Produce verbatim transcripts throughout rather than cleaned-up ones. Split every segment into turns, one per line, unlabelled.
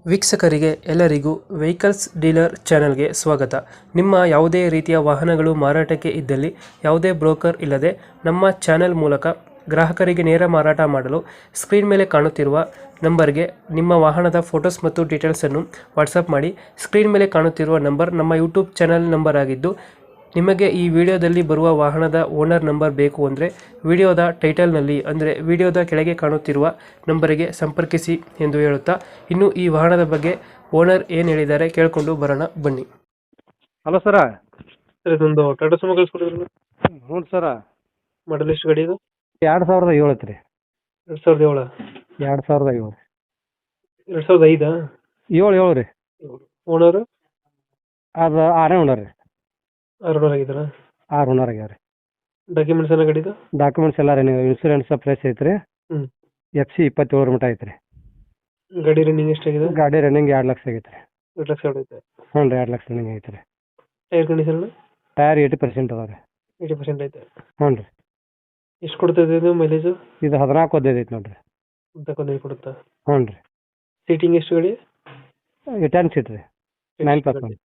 ವೀಕ್ಷಕರಿಗೆ ಎಲ್ಲರಿಗೂ vehicles dealer ಚಾನೆಲ್ಗೆ ಸ್ವಾಗತ. ನಿಮ್ಮ ಯಾವುದೇ ರೀತಿಯ ವಾಹನಗಳು ಮಾರಾಟಕ್ಕೆ ಇದ್ದಲ್ಲಿ ಯಾವುದೇ ಬ್ರೋಕರ್ ಇಲ್ಲದೆ ನಮ್ಮ ಚಾನೆಲ್ ಮೂಲಕ ಗ್ರಾಹಕರಿಗೆ ನೇರ ಮಾರಾಟ ಮಾಡಲು ಸ್ಕ್ರೀನ್ ಮೇಲೆ ಕಾಣುತ್ತಿರುವ ನಂಬರ್ಗೆ ನಿಮ್ಮ ವಾಹನದ ಫೋಟೋಸ್ ಮತ್ತು ಡೀಟೇಲ್ಸನ್ನು ವಾಟ್ಸಪ್ ಮಾಡಿ. ಸ್ಕ್ರೀನ್ ಮೇಲೆ ಕಾಣುತ್ತಿರುವ ನಂಬರ್ ನಮ್ಮ ಯೂಟ್ಯೂಬ್ ಚಾನೆಲ್ ನಂಬರ್ ಆಗಿದ್ದು, ನಿಮಗೆ ಈ ವಿಡಿಯೋದಲ್ಲಿ ಬರುವ ವಾಹನದ ಓನರ್ ನಂಬರ್ ಬೇಕು ಅಂದರೆ ವಿಡಿಯೋದ ಟೈಟಲ್ನಲ್ಲಿ ಅಂದರೆ ವಿಡಿಯೋದ ಕೆಳಗೆ ಕಾಣುತ್ತಿರುವ ನಂಬರಿಗೆ ಸಂಪರ್ಕಿಸಿ ಎಂದು ಹೇಳುತ್ತಾ, ಇನ್ನು ಈ ವಾಹನದ ಬಗ್ಗೆ ಓನರ್ ಏನು ಹೇಳಿದ್ದಾರೆ ಕೇಳಿಕೊಂಡು ಬರೋಣ ಬನ್ನಿ.
Hello sir.
ಸರ್, ಇದೊಂದು ಟಾಟಾ ಸುಮೋ ಕಳಿಸ್ಕೊಡಿದ್ರಲ್ಲ,
ಹ್ಞೂ ಸರ.
ಮಾಡಲ್ ಎಷ್ಟು ಗಾಡಿ ಇದು?
ಎರಡು ಸಾವಿರದ ಏಳು ಐತ್ರಿ.
ಎರಡು ಸಾವಿರದ ಏಳು
ಎರಡು ಸಾವಿರದ ಏಳು
ಎರಡು ಸಾವಿರದ ಐದಾ
ಏಳು ಏಳು ರೀ.
ಓನರು
ಅದು ಆರೇ ಓನರ್ ರೀ.
ಆರು ಓನರ್ ಆಗಿದ್ದಾರಾ?
ಆರು ಓನರ್ ಆಗ್ಯಾವ ರೀ.
ಡಾಕ್ಯುಮೆಂಟ್ಸ್ ಎಲ್ಲ ಗಾಡಿದು?
ಡಾಕ್ಯುಮೆಂಟ್ಸ್ ಎಲ್ಲ ರೀ, ಇನ್ಸೂರೆನ್ಸ್ ಫ್ರೆಶ್ ಐತ್ರಿ.
ಹ್ಞೂ.
ಎಫ್ ಸಿ ಇಪ್ಪತ್ತೇಳರ ಮಟ್ಟ ಐತ್ರಿ.
ಗಾಡಿ ರನ್ನಿಂಗ್ ಎಷ್ಟಾಗಿದೆ?
ಗಾಡಿ ರನ್ನಿಂಗ್ ಎರಡು ಲಕ್ಷ ಆಗೈತೆ ರೀ.
ಎರಡು ಲಕ್ಷ ಹೊಡೈತೆ.
ಹ್ಞೂ ರೀ, ಎರಡು ಲಕ್ಷ ರನ್ನಿಂಗ್ ಐತೆ ರೀ.
Tyre condition
tyre eighty percent ಅದಾವೆ ರೀ.
ಏಯ್ಟಿ ಪರ್ಸೆಂಟ್ ಐತೆ.
ಹ್ಞೂ ರೀ.
ಎಷ್ಟು ಕೊಡ್ತದೆ ಇದು ಮೈಲೇಜು?
ಇದು ಹದಿನಾಲ್ಕು ಹದಿನೈದು ಐತೆ ನೋಡಿರಿ.
ತಗೊಂಡು ಕೊಡುತ್ತಾ?
ಹ್ಞೂ ರೀ.
ಸೀಟಿಂಗ್ ಎಷ್ಟು ಗಾಡಿ?
ಟೆನ್ ಸೀಟ್ ರೀ. Nine plus one.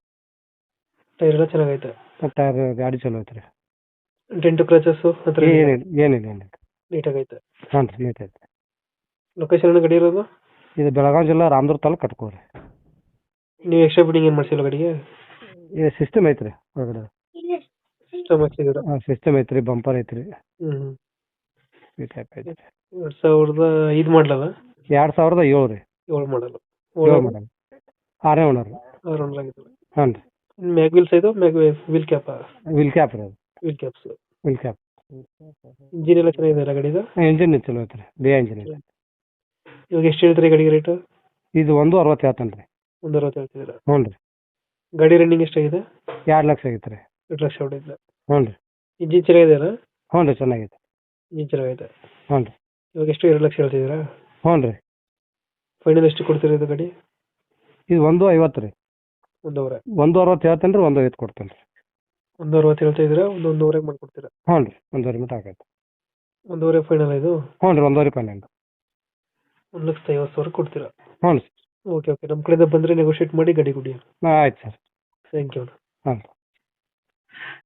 ಟೈರ್ ಎಲ್ಲ ಚೆನ್ನಾಗೈತೆ.
ಟೈರ್ ಗಾಡಿ ಚಲೋ ಐತೆ ರೀ.
ಡೆಂಟು ಕ್ರಚಸ್ಸು ಹತ್ರ
ಏನಿಲ್ಲ ಏನಿಲ್ಲ ಏನಿಲ್ಲ.
ನೀಟಾಗೈತೆ.
ಹ್ಞೂ ರೀ, ನೀಟ್ ಐತೆ.
ಲೊಕೇಶನ್ ಗಾಡಿ ಇರೋದು?
ಇದು ಬೆಳಗಾವಿ ಜಿಲ್ಲಾ ರಾಮದುರ್ಗ ತಾಲೂಕು ಕಟ್ಕೋರಿ.
ನೀವು ಎಕ್ಸ್ಟ್ರಾ ಬಿಡಿಂಗ್ ಏನು ಮಾಡಿಸಿಲ್ಲ ಗಾಡಿಗೆ?
ಇದು ಸಿಸ್ಟಮ್ ಐತೆ ರೀ ಒಳಗಡೆ.
ಸಿಸ್ಟಮ್ ಹಾಕ್ಸಿದ್ದೀರಾ?
ಹಾಂ, ಸಿಸ್ಟಮ್ ಐತೆ ರೀ, ಬಂಪರ್ ಐತೆ ರೀ.
ಹ್ಞೂ.
ಈ ಟೈಪ್ ಐತೆ ರೀ.
ಎರಡು ಸಾವಿರದ ಐದು ಮಾಡಲಲ್ಲ?
ಎರಡು ಸಾವಿರದ ಏಳು ರೀ.
ಏಳು ಮಾಡಲು.
ಏಳು ಮಾಡಲ್. ಆರೇ ಓನರ್ ರೀ.
ಆರು ಓನರ್ ಆಗಿದ್ದಾರೆ.
ಹಾಂ ರೀ.
ಮ್ಯಾಗ್ ವೀಲ್ಸ್ ಇದು mag wheel cap?
Wheel cap ರೀ ಅದು.
Wheel caps.
Wheel cap.
Engine ಎಲ್ಲ ಚೆನ್ನಾಗಿದೆ ಅಲ್ಲ ಗಾಡಿದು?
ಇಂಜಿನ್ ಚಲೋ ಐತೆ ರೀ, ಬಿ ಇಂಜಿನ್ ಐತೆ.
ಇವಾಗ ಎಷ್ಟು ಹೇಳ್ತೀರಿ ಗಾಡಿಗೆ ರೇಟು?
ಇದು ಒಂದು ಅರವತ್ತು ಹೇಳ್ತಾನೆ ರೀ.
ಒಂದು ಅರವತ್ತು ಹೇಳ್ತಿದ್ದೀರಾ?
ಹ್ಞೂ ರೀ.
ಗಾಡಿ ರನ್ನಿಂಗ್ ಎಷ್ಟಾಗಿದೆ?
ಎರಡು ಲಕ್ಷ ಆಗೈತೆ ರೀ.
ಎರಡು ಲಕ್ಷ ಹೊಡೆದಿಲ್ಲ.
ಹ್ಞೂ ರೀ.
ಇಂಜಿನ್ ಚೆನ್ನಾಗಿದೆಯಲ್ಲ?
ಹ್ಞೂ ರೀ, ಚೆನ್ನಾಗೈತೆ.
ಇಂಜಿನ್ ಚೆನ್ನಾಗೈತೆ.
ಹ್ಞೂ ರೀ.
ಇವಾಗ ಎಷ್ಟು ಎರಡು ಲಕ್ಷ ಹೇಳ್ತಿದ್ದೀರಾ?
ಹ್ಞೂ ರೀ.
ಫೈನಲ್ ಎಷ್ಟು ಕೊಡ್ತೀರಾ ಇದು ಗಾಡಿ?
ಇದು ಒಂದು ಐವತ್ತು ರೀ.
ಒಂದೂವರೆ.
ಒಂದು ಅರವತ್ತು ಹೇಳ್ತೇನೆ ರೀ, ಒಂದು ಐವತ್ತು ಕೊಡ್ತೇನೆ ರೀ.
ಒಂದು ಅರವತ್ತು ಹೇಳ್ತಾ ಇದ್ದೀರಾ, ಒಂದು ಒಂದೂವರೆಗೆ ಮಾಡ್ಕೊಡ್ತೀರಾ?
ಹ್ಞೂ ರೀ, ಒಂದೂವರೆ ಮಟ್ಟ ಆಗೈತೆ.
ಒಂದೂವರೆ ಫೈನಲ್ ಇದು?
ಹ್ಞೂ ರೀ, ಒಂದೂವರೆ ಫೈನಲ್.
ಒಂದು ಲಕ್ಷದ ಐವತ್ತು ಸಾವಿರ ಕೊಡ್ತೀರಾ?
ಹ್ಞೂ ರೀ.
ಓಕೆ ಓಕೆ, ನಮ್ಮ ಕಡೆಯಿಂದ ಬಂದರೆ ನೆಗೋಷಿಯೇಟ್ ಮಾಡಿ ಗಾಡಿ ಕೊಡಿ.
ಹಾಂ, ಆಯ್ತು ಸರ್.
Thank you.
ಹಾಂ.